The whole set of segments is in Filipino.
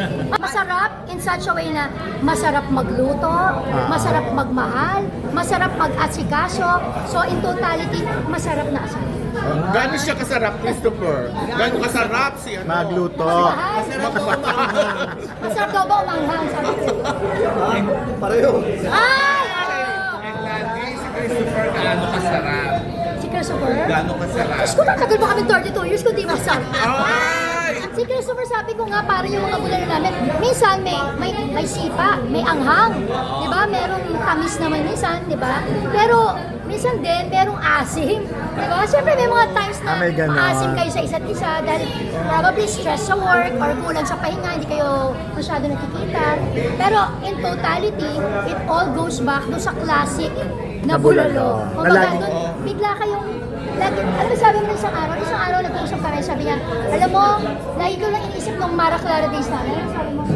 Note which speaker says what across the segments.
Speaker 1: Masarap in such a way na masarap magluto, masarap magmahal, masarap mag-asikaso. So in totality, masarap na asawa.
Speaker 2: Gano'n siya kasarap, Christopher? Gano'n kasarap si ano?
Speaker 3: Magluto.
Speaker 1: Masarap daw ba umanghang? Sabi ko.
Speaker 4: Pareho.
Speaker 1: Ay!
Speaker 2: And lagi si Christopher gaano kasarap?
Speaker 1: Si Christopher?
Speaker 2: Gaano kasarap?
Speaker 1: Diyos ko, natagal ba kami 32 years kung di masarap?
Speaker 2: Ay!
Speaker 1: Si Christopher, sabi ko nga, parang yung mga bulalo namin, minsan may sipa, may anghang. Di ba? Merong tamis naman minsan, di ba? Pero minsan din, merong asim. Di ba? Siyempre, may mga times na
Speaker 3: may ganon.
Speaker 1: maasim kayo sa isa't isa dahil probably stress sa work or kulang sa pahinga, hindi kayo masyado nakikita. Pero in totality, it all goes back do sa classic na bulalo.
Speaker 3: Na
Speaker 1: Kumbaga,
Speaker 3: lagi-
Speaker 1: doon, bigla kayong lagi, ano ba sabi mo ng isang araw nag-uusap kami, sabi niya, alam mo, lagi ko lang iniisip nung Mara Clara days namin, sabi mo,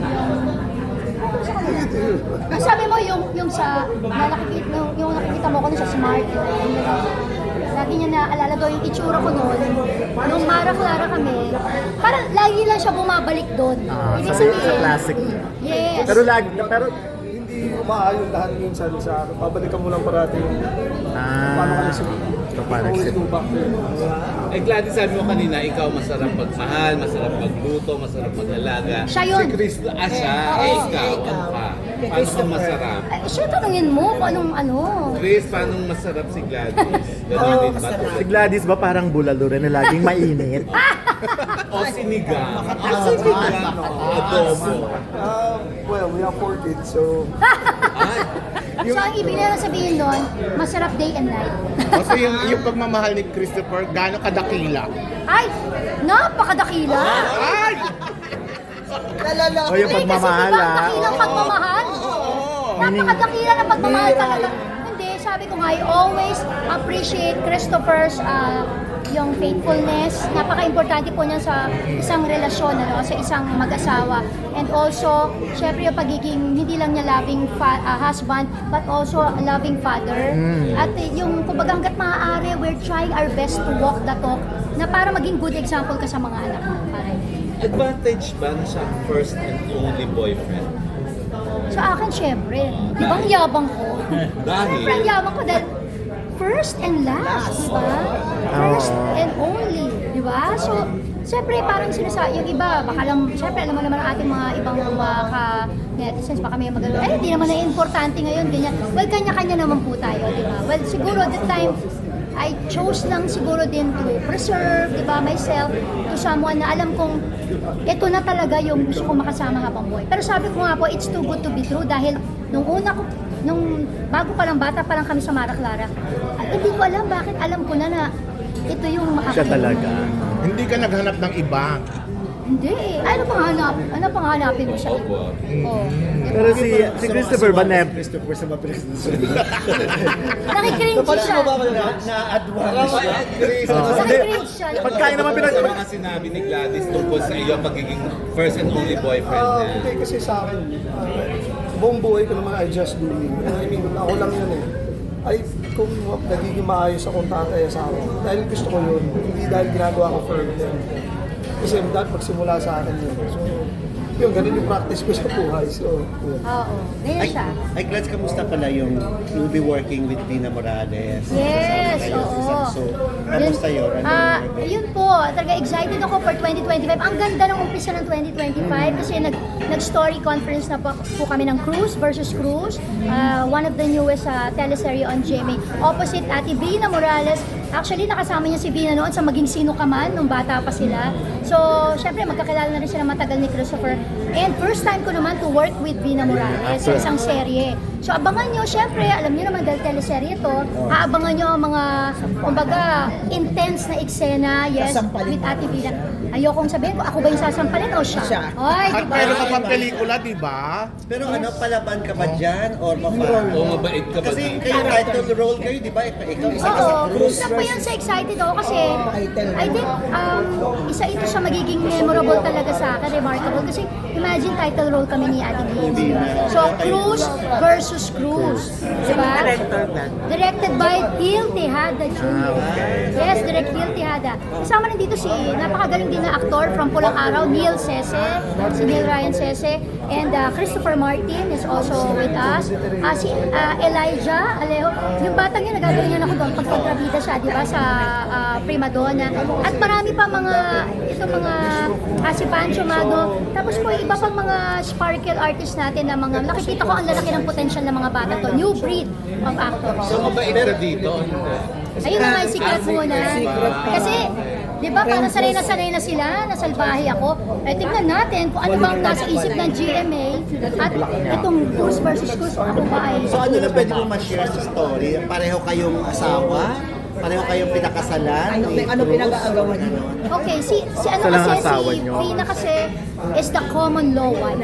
Speaker 1: ang sabi mo, yung sa, yung nakikita mo ko nun sa smart, lagi niya naalala daw yung itsura ko noon, nung Mara Clara kami, parang lagi lang siya bumabalik doon. Ibig
Speaker 3: Sa
Speaker 1: sabihin,
Speaker 3: classic.
Speaker 1: yes.
Speaker 3: Pero
Speaker 4: Hindi umaayon lahat minsan sa akin. Babalikan mo lang parati yung paano ka nagsimula.
Speaker 3: paano
Speaker 4: Always go back there.
Speaker 2: Eh, Gladys, sabi mo kanina, ikaw masarap magmahal, masarap magluto, masarap mag-alaga.
Speaker 1: Siya yun.
Speaker 2: Si Chris, siya. Eh, ikaw, ano ka? Paano ka masarap?
Speaker 1: Ay, siya, tanungin mo kung anong ano.
Speaker 2: Chris, paano masarap si Gladys? Ganun din ba?
Speaker 3: si Gladys ba parang bulalo rin na laging mainit?
Speaker 2: O sinigang? O sinigang? Adobo?
Speaker 4: Well, we have 4 kids, so
Speaker 2: Ay,
Speaker 1: So, ang ibig na sabihin doon, masarap day and night.
Speaker 2: kasi yung pagmamahal ni Christopher, gano'ng kadakila?
Speaker 1: Ay, napakadakila.
Speaker 2: Ay!
Speaker 3: O yung pagmamahal
Speaker 1: Kasi diba,
Speaker 3: ah.
Speaker 1: dakilang pagmamahal? Napakadakila ng pagmamahal talaga. Hindi, sabi ko nga, I always appreciate Christopher's yung faithfulness. Napaka-importante po niya sa isang relasyon, ano, sa isang mag-asawa. And also, syempre yung pagiging hindi lang niya loving husband, but also a loving father. At yung, kumbaga hanggat maaari, we're trying our best to walk the talk na para maging good example ka sa mga anak mo. Para
Speaker 2: Advantage ba na siya first and only boyfriend?
Speaker 1: sa akin, syempre. Di ba ang yabang ko?
Speaker 2: Dahil?
Speaker 1: Syempre, ang yabang ko dahil first and last, di ba? First and only, di ba? So, syempre, parang sinasabi, yung iba, baka lang, syempre, alam mo naman ang ating mga ibang mga ka-netizens, baka may magano, eh, hindi naman na importante ngayon, ganyan. Well, kanya-kanya naman po tayo, di ba? Well, siguro, the time, I chose lang siguro din to preserve, di ba, myself to someone na alam kong ito na talaga yung gusto ko makasama habang buhay. Pero sabi ko nga po, it's too good to be true dahil nung una ko, nung bago pa lang bata pa lang kami sa Mara Clara, hindi ko alam bakit alam ko na ito yung
Speaker 3: Siya talaga.
Speaker 2: Hindi ka naghanap ng iba.
Speaker 1: Hindi eh. Ano pang hanapin mo sa iba? Oh.
Speaker 3: Pero si Christopher ba
Speaker 4: Christopher sa mga presidents.
Speaker 1: Nakikringe siya.
Speaker 4: Na-advance siya.
Speaker 1: Nakikringe siya.
Speaker 3: Pagkain naman
Speaker 2: Ano mga sinabi ni Gladys tungkol sa iyo pagiging first and only boyfriend niya?
Speaker 4: Hindi kasi sa akin, buong buhay ko naman I just do me. I mean, ako lang yun eh. Ay, kung nagiging maayos akong tatay sa akin, dahil gusto ko yun, hindi dahil ginagawa ko for them. Kasi dahil magsimula sa akin yun. So, yun, ganun yung practice ko sa buhay. So, yun.
Speaker 1: Oo. Ganyan siya.
Speaker 5: Ay, Glads, kamusta pala yung you'll be working with Dina Morales?
Speaker 1: Yes,
Speaker 5: Kasama kayo sa
Speaker 1: oo.
Speaker 5: isang show. Kamusta yun?
Speaker 1: Yun po, talaga excited ako for 2025. Ang ganda ng umpisa ng 2025 kasi nag-story conference na po kami ng Cruz versus Cruz. One of the newest teleserye on GMA. Opposite Ate Vina Morales. Actually, nakasama niya si Vina noon sa Maging Sino Ka Man nung bata pa sila. So, syempre, magkakilala na rin sila matagal ni Christopher. And first time ko naman to work with Vina Morales sa isang serye. So, abangan nyo, syempre, alam nyo naman dahil teleserye ito, aabangan nyo ang mga, kumbaga, intense na eksena, yes, with Ate Vina. Ayokong sabihin ko, ako ba yung sasampalin o siya? Ay,
Speaker 2: At
Speaker 1: diba?
Speaker 2: meron ka pang pelikula, di ba?
Speaker 5: Pero ano, palaban ka ba dyan? Or
Speaker 2: O mabait ka ba?
Speaker 5: Kasi kayo title role kayo, di ba? Ikaw isa ka sa
Speaker 1: Oo,
Speaker 5: Cruz.
Speaker 1: isa pa yan sa excited ako kasi I think isa ito sa magiging memorable talaga sa akin, remarkable. Kasi imagine title role kami ni Ate Vina. So, Cruz versus Cruz. Diba? Directed by Gil Tejada Jr. Yes, direct Gil Tejada. Kasama rin dito si napakagaling din na mga aktor from Pulang Araw, Neil Sese, si Neil Ryan Sese, and Christopher Martin is also with us. Si Elijah Alejo, yung batang yun, nagagalingan ako doon pag kontrabida siya, di ba, sa Prima Donna. At marami pa si Pancho Mago. Tapos po, iba pang mga sparkle artists natin na mga, nakikita ko ang lalaki ng potential ng mga bata to. New breed of actors.
Speaker 2: So, mabait ka dito.
Speaker 1: Ayun na nga yung secret muna. Kasi, di ba, parang sanay na sila, nasalbahe ako. Eh, tingnan natin kung ano bang nasa isip ng GMA at itong Cruz versus Cruz, ako ba ay...
Speaker 5: So ano na pwede mo ma-share sa story? Pareho kayong asawa? Pareho kayong pinakasalan?
Speaker 6: Ano pinag-aagawan niyo?
Speaker 1: Okay, si ano
Speaker 3: Sila ang
Speaker 1: kasi,
Speaker 3: asawa
Speaker 1: si
Speaker 3: niyo.
Speaker 1: Rina kasi is the common law wife.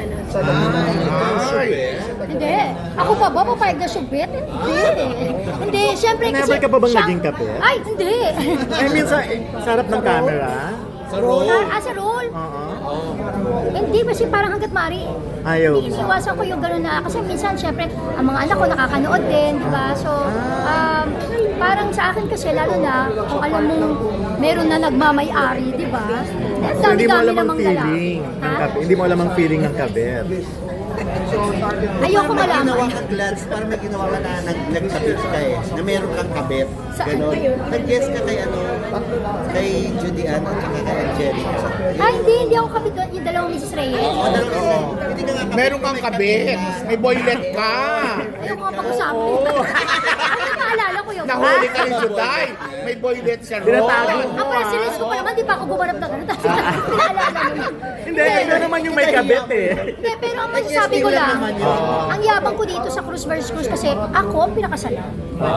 Speaker 1: Hindi. Ako pa ba papayag na subit? Hindi, syempre kasi...
Speaker 3: Never ka pa bang
Speaker 1: siya-
Speaker 3: naging kabit?
Speaker 1: Ay, hindi.
Speaker 3: I mean, sa harap ng camera.
Speaker 2: Sa role.
Speaker 1: Sa role?
Speaker 3: Oo.
Speaker 1: Hindi, kasi parang hanggat mari.
Speaker 3: Ayaw.
Speaker 1: Iniiwasan ko yung gano'n na, kasi minsan, syempre, ang mga anak ko nakakanood din, di ba? So, parang sa akin kasi, lalo na, kung alam mong meron na nagmamay-ari, di ba? Ang
Speaker 3: So, hindi mo
Speaker 1: dami-dami
Speaker 3: alam ang
Speaker 1: namang
Speaker 3: feeling.
Speaker 1: lalaki.
Speaker 3: ng
Speaker 1: Ha?
Speaker 3: kabit. Hindi mo alam ang feeling ng kabit.
Speaker 1: Ayoko
Speaker 5: May ginawa
Speaker 1: malaman.
Speaker 5: ka, Glads, parang may ginawa ka na nagkabit ka na meron kang kabit.
Speaker 1: Saan
Speaker 5: Ganon.
Speaker 1: kayo?
Speaker 5: Nag-guess ka kay Judy Ann at saka kay Angelica.
Speaker 1: Hindi ako kapit doon. Yung dalawang Mrs. Reyes.
Speaker 5: Hindi ka nga kabit.
Speaker 7: Meron kang kabit. May boylet ka.
Speaker 1: Ayoko nga pag-usapan. Ano naalala ko yun?
Speaker 7: Nahuli ka ni Juday. May boylet siya ron.
Speaker 3: Tinatago mo.
Speaker 1: Ang parang sinis ko pa naman, di pa ako gumanap na gano'n. Tapos pinaalala mo.
Speaker 3: Hindi, ikaw naman yung may kabit eh.
Speaker 1: Hindi, pero ang masasabi ko lang, ang yabang ko dito sa Cruz versus Cruz kasi ako ang pinakasalan.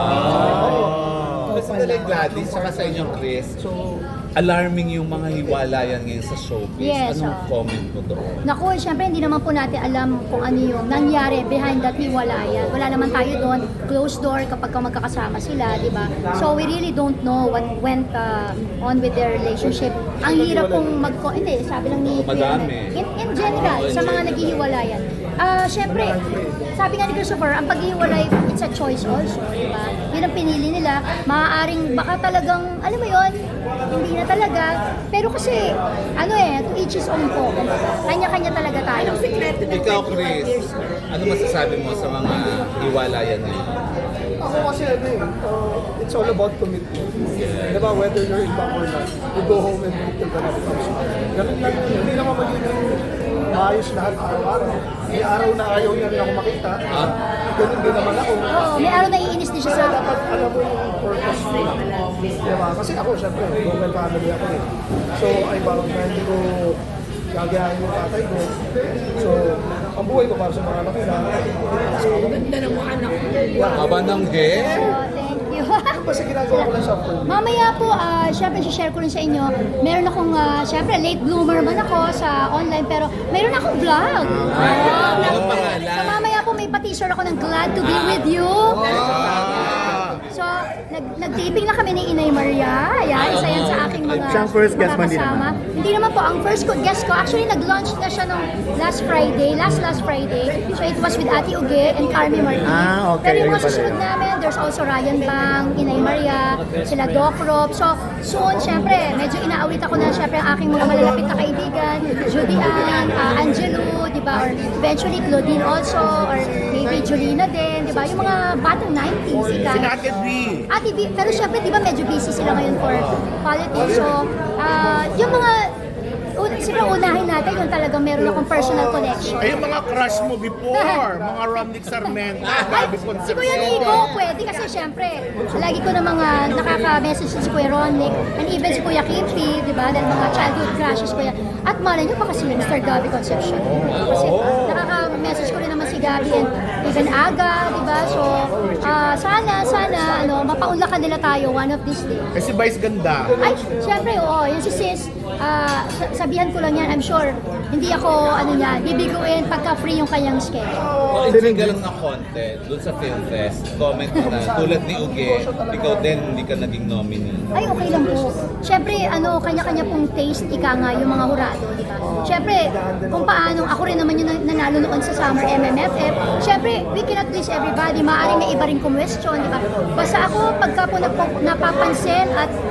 Speaker 2: Kasi talagang Gladys, saka sa inyong Chris, alarming yung mga hiwalayan ngayon sa showbiz.
Speaker 1: Yes,
Speaker 2: Anong
Speaker 1: oh.
Speaker 2: comment mo doon?
Speaker 1: Naku, syempre hindi naman po natin alam kung ano yung nangyari behind that hiwalayan. Wala naman tayo doon, closed door kapag magkakasama sila, di ba? So we really don't know what went on with their relationship. Ang hirap pong hindi, sabi lang ni
Speaker 2: Madami.
Speaker 1: in general, sa mga naghihiwalayan. Syempre, sabi nga ni Christopher, ang paghihiwalay, it's a choice also, di ba? Yun ang pinili nila. Maaaring baka talagang, alam mo yun, hindi na talaga. Pero kasi, to each his own po. Kanya-kanya talaga tayo.
Speaker 2: Ikaw, Chris, ano masasabi mo sa mga hiwalayan ngayon?
Speaker 4: Ako kasi it's all about commitment. Diba, whether you're in back or not, you go home and meet till the night comes. Ganun lang yun. Hindi naman magiging maayos lahat araw-araw. May araw na ayaw niya rin ako makita. Ganun din naman ako.
Speaker 1: Oo, may araw na iinis din siya sa...
Speaker 4: Dapat alam mo yung purpose mo. Diba? Kasi ako, syempre, global family ako eh. So, ay bound na hindi ko gagayahin yung tatay ko. So, ang buhay ko para sa mga anak nila.
Speaker 6: Ganda ng mga anak ko.
Speaker 2: Haba ng hair?
Speaker 1: Oh, thank you.
Speaker 4: Basta ginagawa ko lang sa for me.
Speaker 1: Mamaya po, syempre, share ko rin sa inyo. Meron akong, syempre, late bloomer man ako sa online, pero meron akong vlog.
Speaker 2: Anong pangalan?
Speaker 1: So mamaya po may pa-teaser ako ng Glad to be with you. So, nag-taping na kami ni Inay Maria. Ayan, isa yan sa aking mga
Speaker 3: Siyang first guest mo, hindi
Speaker 1: kasama.
Speaker 3: naman?
Speaker 1: Hindi naman po. Ang first guest ko, actually nag-launch na siya nung last Friday. Last Friday. So it was with Ate Uge and Carmi Martin.
Speaker 3: Okay.
Speaker 1: Pero yung mga
Speaker 3: Ayun pala
Speaker 1: susunod
Speaker 3: yun.
Speaker 1: namin, there's also Ryan Bang, Inay Maria, sila Doc Rob. So, soon, syempre, medyo inaawit ako na syempre ang aking mga malalapit na kaibigan, Judy Ann, Angelo, di ba? Or eventually Claudine also, or maybe Julina din, di ba? Yung mga batang 90s, ika.
Speaker 7: Si Ate B.
Speaker 1: Ate V, pero syempre, di ba medyo busy sila ngayon for politics. So, yung mga, siguro unahin natin yung talagang meron akong personal connection.
Speaker 7: Ay, yung mga crush mo before. Mga Romnick Sarmento, Gabi
Speaker 1: Si Kuya Nico, pwede kasi syempre, lagi ko na mga nakaka-message si Kuya Ronick and even si Kuya Kimpi, di ba? Dahil mga childhood crushes ko yan. At malay niyo baka si Mr. Gabi Concepcion. Kasi nakaka-message ko rin naman si Gabi and even Aga, di ba? So, sana, mapaunlakan nila tayo one of these days.
Speaker 7: Kasi Vice ganda.
Speaker 1: Ay, syempre, oo. Yan si Sis, sabihan ko lang yan, I'm sure, hindi ako, bibiguin pagka free yung kanyang schedule.
Speaker 2: Hindi ka lang na content doon sa Film Fest. Comment mo na, tulad ni Uge, ikaw din hindi ka naging nominee.
Speaker 1: Ay, okay lang po. Siyempre, kanya-kanya pong taste, ika nga, yung mga hurado, di ba? Siyempre, kung paano, ako rin naman yung nanalo noon sa Summer MMFF. Siyempre, we cannot please everybody. Maaaring may iba rin question, di ba? Basta ako, pagka po napapansin at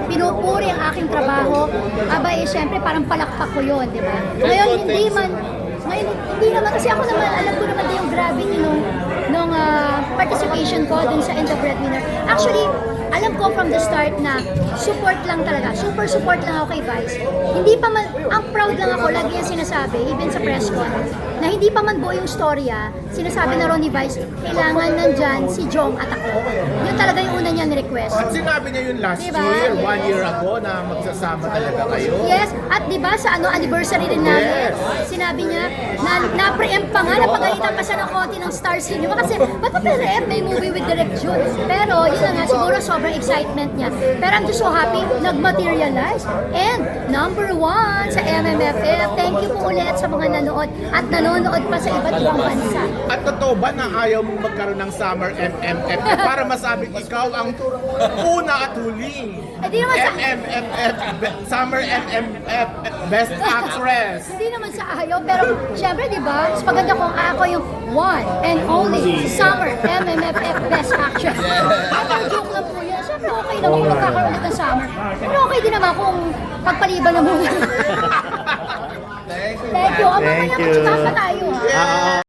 Speaker 1: pinupuri ang aking trabaho, aba eh, syempre parang palakpak ko yun, di ba? Ngayon, hindi naman, kasi ako naman, alam ko naman din yung gravity nung participation ko dun sa End the Breadwinner. Actually, alam ko from the start na support lang talaga. Super support lang ako kay Vice. Hindi pa man, ang proud lang ako, lagi yung sinasabi, even sa press con, na hindi pa man buo yung storya, sinasabi na ron ni Vice, kailangan nandyan si Jong at ako. Yun talaga yung una niyang request.
Speaker 7: At sinabi niya yun last
Speaker 1: Diba?
Speaker 7: year, 1 year ago, na magsasama talaga kayo.
Speaker 1: Yes, at di ba sa anniversary din namin, sinabi niya na na-preempt pa nga, napagalitan pa siya ng konti ng Star Cinema kasi ba't pa preempt may movie with Direct June? Pero yun na nga, siguro sobrang excitement niya. Pero I'm just so happy, nag-materialize. And number 1 sa MMFF, thank you po ulit sa mga nanood at nanonood pa sa iba't ibang bansa.
Speaker 7: At totoo ba na ayaw mong magkaroon ng Summer MMF para masabing ikaw ang una at huling
Speaker 1: Eh, di naman sa...
Speaker 7: MMFF, Summer MMF Best Actress?
Speaker 1: Hindi naman sa ayaw, pero syempre, di ba, mas maganda kung ako yung one and only Summer MMFF Best Actress. Pero joke lang po yan. Syempre, okay naman kung magkakaroon ulit ng Summer. Pero okay din naman kung pagpaliban na muna. Thank you. Mamaya
Speaker 3: Thank you.
Speaker 1: magtsikahan pa tayo, ha?